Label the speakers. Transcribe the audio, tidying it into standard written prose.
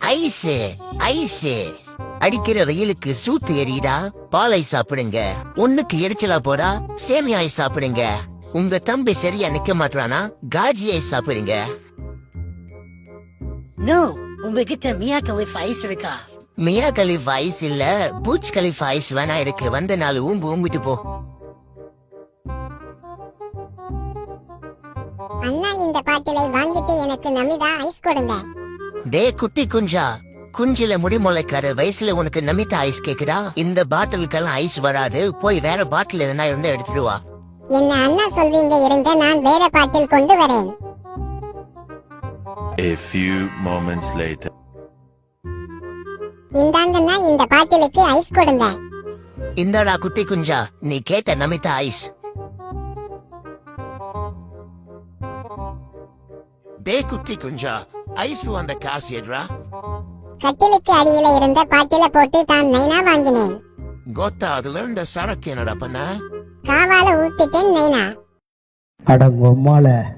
Speaker 1: Ice ice அடிக்கிற வெயிலுக்கு சூத்து எரியுதா? பாலை சாப்பிடுங்க. ஒண்ணுக்கு எரிச்சலா போடா, சேமியாய் சாப்பிடுங்க. உங்க தம்பி சரியா நிக்க மாட்டானா? காஜியை சாப்பிடுங்க.
Speaker 2: நோ, உங்ககிட்ட மியா கலிஃப் ஐஸ் இருக்கா?
Speaker 1: மியா கலிஃப் ஐஸ் இல்ல, பூச் கலிஃப் ஐஸ் வேணா இருக்கு. வந்த நாள் ஊம்பிட்டு போ.
Speaker 3: அண்ணா, இந்த பாட்டிலை வாங்கிட்டு எனக்கு நமிதா ஐஸ் கொடுங்க.
Speaker 1: டே குட்டி குஞ்சா, குஞ்சில முடிமுளைக்கார வயசுல உனக்கு நமிதா ஐஸ் கேக்குதா? இந்த பாட்டிலுக்கெல்லாம் ஐஸ் வராது. போய் வேற பாட்டில் எதனா இருந்தா எடுத்துட்டு வா.
Speaker 3: என்ன அண்ணா சொல்வீங்க, இருங்க நான் வேற பாட்டில் கொண்டு வரேன்.
Speaker 4: A few moments later.
Speaker 3: இந்தாங்கண்ணா, இந்த பாட்டிலுக்கு ஐஸ் கொடுங்க.
Speaker 1: இந்தடா குட்டி குஞ்சா, நீ கேட்ட நமிதா ஐஸ். டே குட்டி குஞ்சா, ஐஸ் வந்த காசு எட்ரா?
Speaker 3: கட்டிலுக்கு அடியில இருந்த பாட்டில போட்டு தான் நைனா வாங்கினேன்.
Speaker 1: கோத்தா, அதுல இருந்த சரக்கு என்னடா பண்ண?
Speaker 3: காவால ஊத்திட்டேன் நைனா.
Speaker 5: அடங்கொம்மால